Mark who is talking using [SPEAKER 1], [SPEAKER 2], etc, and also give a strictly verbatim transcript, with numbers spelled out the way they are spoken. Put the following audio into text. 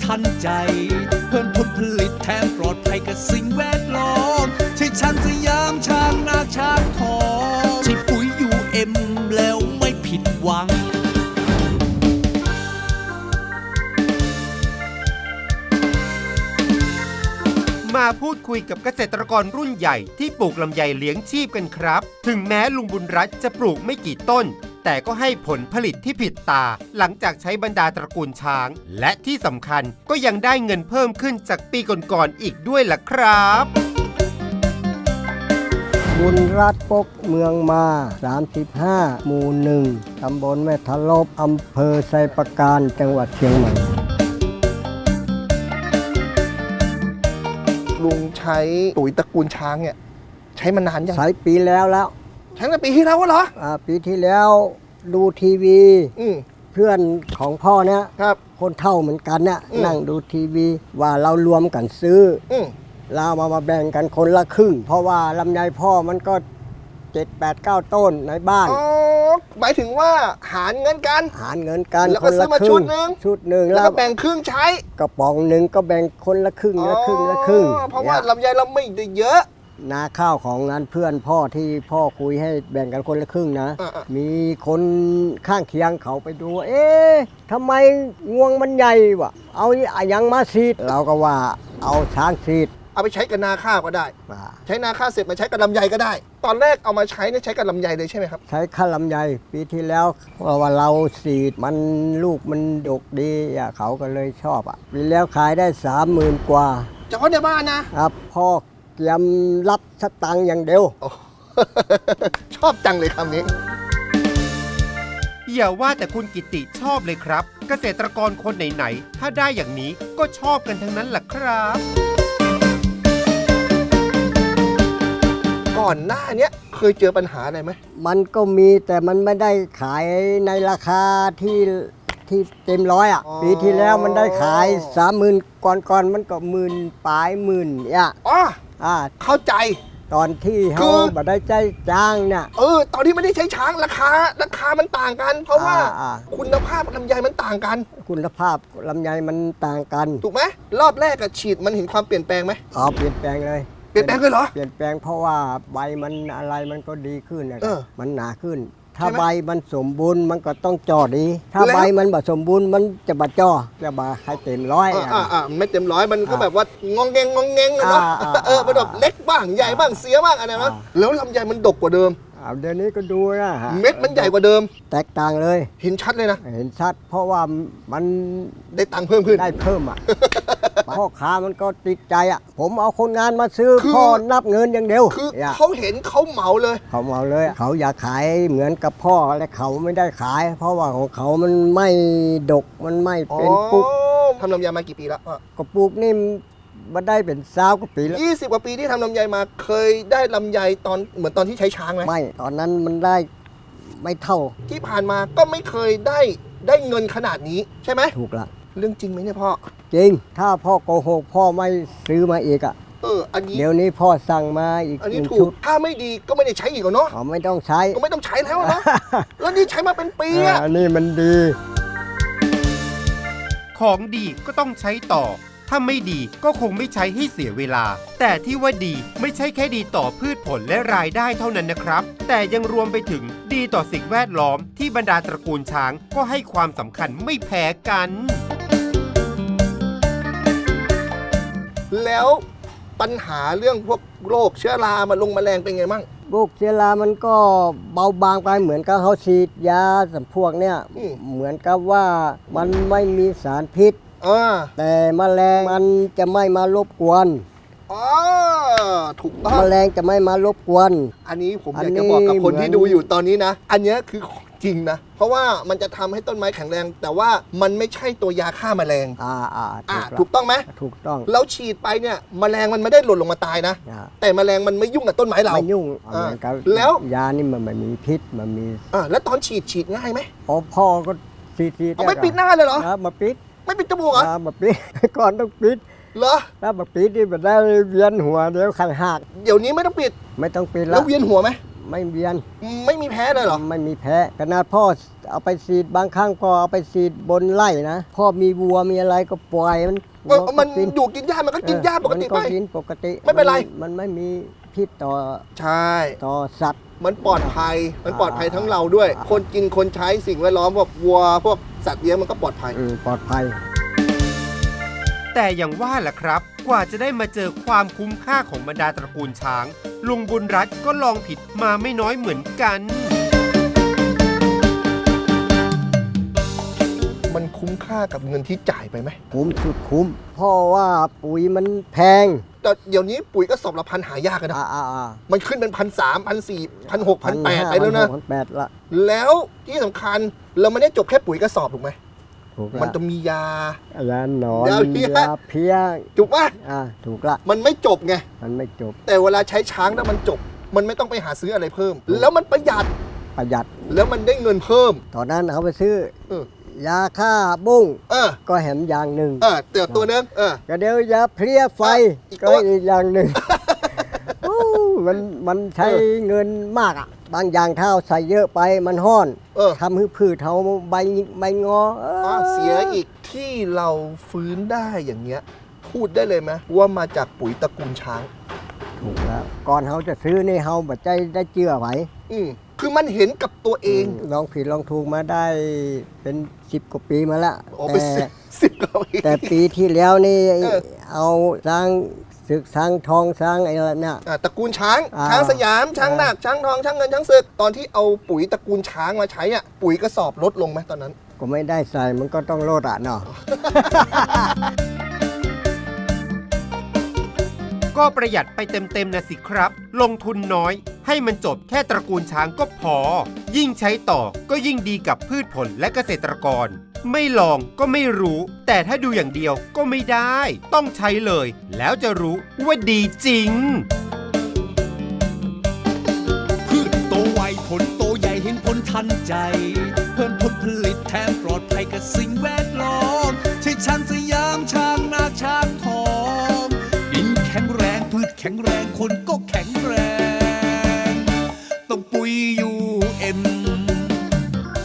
[SPEAKER 1] ทันใจเพิ่มผลผลิตแถมปลอดภัยกับสิ่งแวดล้อมใช่ช้างสยามช้างนาช้างทองใช่ปุ๋ยยูเอ็มแล้วไม่ผิดหวัง
[SPEAKER 2] มาพูดคุยกับเกษตรกรรุ่นใหญ่ที่ปลูกลำไยเลี้ยงชีพกันครับถึงแม้ลุงบุญรัตน์จะปลูกไม่กี่ต้นแต่ก็ให้ผลผลิตที่ผิดตาหลังจากใช้บรรดาตระกูลช้างและที่สำคัญก็ยังได้เงินเพิ่มขึ้นจากปีก่อนๆอีกด้วยล่ะครับ
[SPEAKER 3] บุญรัตน์ปกเมืองมาสามสิบห้าหมู่หนึ่งตำบลแม่ทะลบอำเภอไซประการจังหวัดเชียงใหม่
[SPEAKER 4] ลุงใช้ปุ๋ยตระกูลช้างเนี่ยใช้มานานยัง
[SPEAKER 3] ใช้ปีแล้วแล้ว
[SPEAKER 4] ใช้ตั้งแต่ปีที่แล้วเหรอ
[SPEAKER 3] อ่าปีที่แล้วดูทีวี
[SPEAKER 4] อืม
[SPEAKER 3] เพื่อนของพ่อเนี่ย
[SPEAKER 4] ครับ
[SPEAKER 3] คนเท่าเหมือนกันเนี่ย
[SPEAKER 4] อืม
[SPEAKER 3] นั่งดูทีวีว่าเรารวมกันซื้อ
[SPEAKER 4] อืม
[SPEAKER 3] เรามามาแบ่งกันคนละครึ่งเพราะว่าลำไยพ่อมันก็เจ็ดแปดเก้าต้นในบ้าน
[SPEAKER 4] อ๋อหมายถึงว่าหารเงินกัน
[SPEAKER 3] หารเงินกัน
[SPEAKER 4] แล้ว
[SPEAKER 3] ค
[SPEAKER 4] ก็
[SPEAKER 3] น
[SPEAKER 4] ซื้
[SPEAKER 3] ละ
[SPEAKER 4] อมา
[SPEAKER 3] ครึ่
[SPEAKER 4] ชุ
[SPEAKER 3] ง
[SPEAKER 4] ดหนึ่ง
[SPEAKER 3] ชุดหนึ่ง
[SPEAKER 4] แล้วก็แบ่งครึ่งใช้
[SPEAKER 3] กระป๋องหนึ่งก็แบ่งคนละครึ่งละครึ่งละครึ่ง
[SPEAKER 4] เพราะว่าลำไยเราไม่ได้เยอะ
[SPEAKER 3] นาข้าวของนั้นเพื่อนพ่อที่พ่อคุยให้แบ่งกันคนละครึ่งนะมีคนข้างเคียงเขาไปดูเอ๊ะทำไมงวงมันใหญ่วะเอาอย่างมาซีดเราก็ว่าเอาช้างซีด
[SPEAKER 4] เอาไปใช้กับนาข้าวก็ได้ใช้นาข้าวเสร็จมาใช้กับลำไยก็ได้ตอนแรกเอามาใช้เนี่ยใช้กับลำไยเลยใช่ไหมครับ
[SPEAKER 3] ใช้ข้าวลำไยปีที่แล้วเพราะว่าเราซีดมันลูกมันดกดีอ่ะเขาก็เลยชอบอ่ะปีแล้วขายได้สามหมื่นกว่า
[SPEAKER 4] เฉพาะในบ้านนะครับ
[SPEAKER 3] พ่อเตรียมรับสตังค์อย่างเดียว
[SPEAKER 4] ชอบจังเลยคำนี้
[SPEAKER 2] อย่าว่าแต่คุณกิติชอบเลยครับเกษตรกรคนไหนๆถ้าได้อย่างนี้ก็ชอบกันทั้งนั้นแหละครับ
[SPEAKER 4] ก่อนหน้านี้เคยเจอปัญหาอะไรไหม
[SPEAKER 3] มันก็มีแต่มันไม่ได้ขายในราคาที่ที่เต็มร้อยอ่ะปีที่แล้วมันได้ขายสามหมื่นก่อนก่อนมันก็หมื่นปลายหมื่นอ่ะ
[SPEAKER 4] อ๋อ
[SPEAKER 3] อ่า
[SPEAKER 4] เข้าใจ
[SPEAKER 3] ตอนที่เขาบัได้ใจจ้างเนี่ย
[SPEAKER 4] เออตอนที่ไม่ได้ใช้ช้างราคาราคามันต่างกัน เพราะว่าคุณภาพลำไยมันต่างกัน
[SPEAKER 3] คุณภาพลำไยมันต่างกัน
[SPEAKER 4] ถูกไหมรอบแรกอะฉีดมันเห็นความเปลี่ยนแปลงไหม
[SPEAKER 3] อ๋อเปลี่ยนแปลงเลย
[SPEAKER 4] เปลี่ยนแปลงเลยเหรอ
[SPEAKER 3] เปลี่ยนแปลงเพราะว่าใบมันอะไรมันก็ดีขึ้นนะมันหนาขึ้นถ้าใบมันสมบูรณ์มันก็ต้องจ่อดีถ้าใบมันบ่สมบูรณ์มันจะบ่จ่อจะบ่ให้เต็มร้อย
[SPEAKER 4] อ่าอ่าไม่เต็มร้อยมันก็แบบว่างองแงงงองแงงเนาะเออมันแบบเล็กบ้างใหญ่บ้างเสียบ้างอะไรนะแล้วลำไยมันดกกว่าเดิม
[SPEAKER 3] เดี๋ยวนี้ก็ดูนะ
[SPEAKER 4] เม็ดมันใหญ่กว่าเดิม
[SPEAKER 3] แตกต่างเลย
[SPEAKER 4] เห็นชัดเลยนะ
[SPEAKER 3] เห็นชัดเพราะว่ามัน
[SPEAKER 4] ได้ตังค์เพิ่มขึ้น
[SPEAKER 3] ได้เพิ่มอ่ะพ่อค้ามันก็ติดใจอ่ะผมเอาคนงานมาซื้อพ่อนับเงินอย่างเดียว
[SPEAKER 4] คือเขาเห็นเขาเหมาเลย
[SPEAKER 3] เขาเหมาเลยเขาอยากขายเหมือนกับพ่อและเขาไม่ได้ขายเพราะว่าของเขามันไม่ดกมันไม่เป็นปุ๊ก
[SPEAKER 4] ทำลำไยมากี่ปีแล้ว
[SPEAKER 3] ก็ปลูกนี่มาได้เป็นสาวกว่าปีแล้ว
[SPEAKER 4] ยี่สิบกว่าปีที่ทำลำไยมาเคยได้ลำไยตอนเหมือนตอนที่ใช้ช้างไหม
[SPEAKER 3] ไม่ตอนนั้นมันได้ไม่เท่า
[SPEAKER 4] ที่ผ่านมาก็ไม่เคยได้ได้เงินขนาดนี้ใช่ไหม
[SPEAKER 3] ถูกละ
[SPEAKER 4] เรื่องจริงไหมเนี่ยพ่อ
[SPEAKER 3] จริงถ้าพ่อโกหกพ่อไม่ซื้อมาอีกอ่ะ
[SPEAKER 4] เอออันนี้
[SPEAKER 3] เดี๋ยวนี้พ่อสั่งมาอีก
[SPEAKER 4] อันนี้ถูกถ้าไม่ดีก็ไม่ได้ใช้อีกเนาะ
[SPEAKER 3] อ๋อไม่ต้องใช้
[SPEAKER 4] ก็ไม่ต้องใช้แล้วเนาะแล้วนี่ใช้มาเป็นปีอ่ะ
[SPEAKER 3] อันนี้มันดี
[SPEAKER 2] ของดีก็ต้องใช้ต่อถ้าไม่ดีก็คงไม่ใช้ให้เสียเวลาแต่ที่ว่าดีไม่ใช่แค่ดีต่อพืชผลและรายได้เท่านั้นนะครับแต่ยังรวมไปถึงดีต่อสิ่งแวดล้อมที่บรรดาตระกูลช้างก็ให้ความสำคัญไม่แพ้กัน
[SPEAKER 4] แล้วปัญหาเรื่องพวกโรคเชื้อรามาลงแมลงเป็นไงมั่ง
[SPEAKER 3] โรคเชื้อรามันก็เบาบางไปเหมือนกับเขาฉีดยาสำพวกเนี้ยเหมือนกับว่ามันไม่มีสารพิษแต่แมลงมันจะไม่มารบกวน
[SPEAKER 4] อ๋อถูกต้อง
[SPEAKER 3] แมลงจะไม่มารบกวน
[SPEAKER 4] อันนี้ผมอยากจะบอกกับคนที่ดูอยู่ตอนนี้นะอันนี้คือจริงนะเพราะว่ามันจะทำให้ต้นไม้แข็งแรงแต่ว่ามันไม่ใช่ตัวยาฆ่าแมลง
[SPEAKER 3] อ่าอ่า
[SPEAKER 4] ถูกต้องไหม
[SPEAKER 3] ถูกต้อง
[SPEAKER 4] แล้วฉีดไปเนี่ยแมลงมันไม่ได้หล่นลงมาตายนะแต่แมลงมันไม่ยุ่งกับต้นไม้เรา
[SPEAKER 3] ไม่ยุ่ง
[SPEAKER 4] แล้ว
[SPEAKER 3] ยานี่มันไม่มีพิษมันมี
[SPEAKER 4] อ่าแล้วตอนฉีดฉีดง่ายไหม
[SPEAKER 3] อ๋อพ่อก็ฉีดฉีด
[SPEAKER 4] เอาไม่ปิดหน้าเลยเหรอ
[SPEAKER 3] มาปิด
[SPEAKER 4] ไม่ปิดจมูกเหรอ
[SPEAKER 3] มาปิดก่อนต้องปิด
[SPEAKER 4] เหรอ
[SPEAKER 3] ถ้ามาปิดนี่มันได้เวียนหัวเดี๋ยวขันหัก
[SPEAKER 4] เดี๋ยวนี้ไม่ต้องปิด
[SPEAKER 3] ไม่ต้องปิด
[SPEAKER 4] แล้วเวียนหัวไหม
[SPEAKER 3] ไม่เวียน
[SPEAKER 4] ไม่มีแพ้เลยเหรอ
[SPEAKER 3] ไม่มีแพ้ขนาดพ่อเอาไปฉีดบางครั้งก็เอาไปฉีดบนไร่นะพ่อมีวัวมีอะไรก็ปล่อยมัน
[SPEAKER 4] เออมัน
[SPEAKER 3] กิน
[SPEAKER 4] อยู่กินหญ้ามันก็กินหญ้าปกติ
[SPEAKER 3] มัน
[SPEAKER 4] ไป
[SPEAKER 3] ก็กินปกติ
[SPEAKER 4] ไม่เป็นไร
[SPEAKER 3] มันมันไม่มีพิษต่อ
[SPEAKER 4] ใช่
[SPEAKER 3] ต่อสัตว์
[SPEAKER 4] มันปลอดภัย มันปลอดภัยทั้งเราด้วย คนกินคนใช้สิ่งแวดล้อมพวกวัวพวกสัตว์เลี้ยงมันก็ปลอดภัย
[SPEAKER 3] อืมปลอดภัย
[SPEAKER 2] แต่อย่างว่าแหละครับ กว่าจะได้มาเจอความคุ้มค่าของบรรดาตระกูลช้าง ลุงบุญรัตน์ก็ลองผิดมาไม่น้อยเหมือนกัน
[SPEAKER 4] มันคุ้มค่ากับเงินที่จ่ายไปไหม
[SPEAKER 3] คุ้มสุดคุ้มเพราะว่าปุ๋ยมันแพง
[SPEAKER 4] แต่เดี๋ยวนี้ปุ๋ยก็สอบละพันหายากกันนะ
[SPEAKER 3] อ่าอ่าอ่า
[SPEAKER 4] มันขึ้นเป็นพันสามพันสี่พันหกพันแปดไปแล้วนะ
[SPEAKER 3] พันแปดละ
[SPEAKER 4] แล้วที่สำคัญเราไม่ได้จบแค่ปุ๋ยกระสอบถูกไหม
[SPEAKER 3] ถูกละ
[SPEAKER 4] มันจะมียา
[SPEAKER 3] ยาหนอน
[SPEAKER 4] ยาเพี้ย
[SPEAKER 3] ยาเพี้ย
[SPEAKER 4] ถูกป่ะ
[SPEAKER 3] อ่าถูกละ
[SPEAKER 4] มันไม่จบไง
[SPEAKER 3] มันไม่จบ
[SPEAKER 4] แต่เวลาใช้ช้างแล้วมันจบ มันไม่ต้องไปหาซื้ออะไรเพิ่ม แล้วมันประหยัด
[SPEAKER 3] ประหยัด
[SPEAKER 4] แล้วมันได้เงินเพิ่ม
[SPEAKER 3] ตอนนั้นเอาไปซื้อ
[SPEAKER 4] เออ
[SPEAKER 3] ยาฆ่าบุ้ง
[SPEAKER 4] เออ
[SPEAKER 3] ก็แหมอย่างหนึ่ง
[SPEAKER 4] เออเตือตัวนึงเออ
[SPEAKER 3] ก็เดี๋ยวยาเพลี้ยไฟ
[SPEAKER 4] อีกตั
[SPEAKER 3] ก็
[SPEAKER 4] ว
[SPEAKER 3] อีกอย่างหนึ่ง โอ้มันมันใช้เงินมากอ่ะ บางอย่างเท่าใส่เยอะไปมันห้อน
[SPEAKER 4] เออ
[SPEAKER 3] ทำให้พืชเทาใบใบงอเออ
[SPEAKER 4] อ่ะเสียอีกที่เราฟื้นได้อย่างเงี้ย พูดได้เลยไหมว่ามาจากปุ๋ยตระกูลช้าง
[SPEAKER 3] ถูกแล้ว ก่อนเขาจะซื้อนี่เขาบัดใจได้เจือไหว
[SPEAKER 4] อืมคือมันเห็นกับตัวเอง
[SPEAKER 3] ลองผิดลองถูกมาได้เป็นสิบกว่าปีมาแล้ว
[SPEAKER 4] โอ้เป็น
[SPEAKER 3] แต่
[SPEAKER 4] สิบสิบกว่าปี
[SPEAKER 3] แต่ปีที่แล้วนี่
[SPEAKER 4] เออ
[SPEAKER 3] เอาสร้างศึกสร้างทองสร้างไอ้นั่นน่ะ
[SPEAKER 4] อ่ะตระกูลช้าง
[SPEAKER 3] อ่า
[SPEAKER 4] ช้างสยามช้าง
[SPEAKER 3] อ่า
[SPEAKER 4] นาคช้างทองช้างเงินช้างศึกตอนที่เอาปุ๋ยตระกูลช้างมาใช้อ่ะปุ๋ยกระสอบลดลงไหมตอนนั้น
[SPEAKER 3] ก็ไม่ได้ใส่มันก็ต้องโลดอ่ะเนาะ
[SPEAKER 2] ก็ประหยัดไปเต็มๆนะสิครับ ลงทุนน้อย ให้มันจบแค่ตระกูลช้างก็พอ ยิ่งใช้ต่อก็ยิ่งดีกับพืชผลและเกษตรกร ไม่ลองก็ไม่รู้ แต่ถ้าดูอย่างเดียวก็ไม่ได้ ต้องใช้เลย แล้วจะรู้ว่าดีจริง
[SPEAKER 1] พืชโตไวผลโตใหญ่เห็นผลทันใจ เพิ่มผลผลิตแถมปลอดภัยกับสิ่งแวดล้อมใช่ช้างสยามช้างนาคช้างทองดินแข็งแรงพืชแข็งแรงคนก็แข็งแรง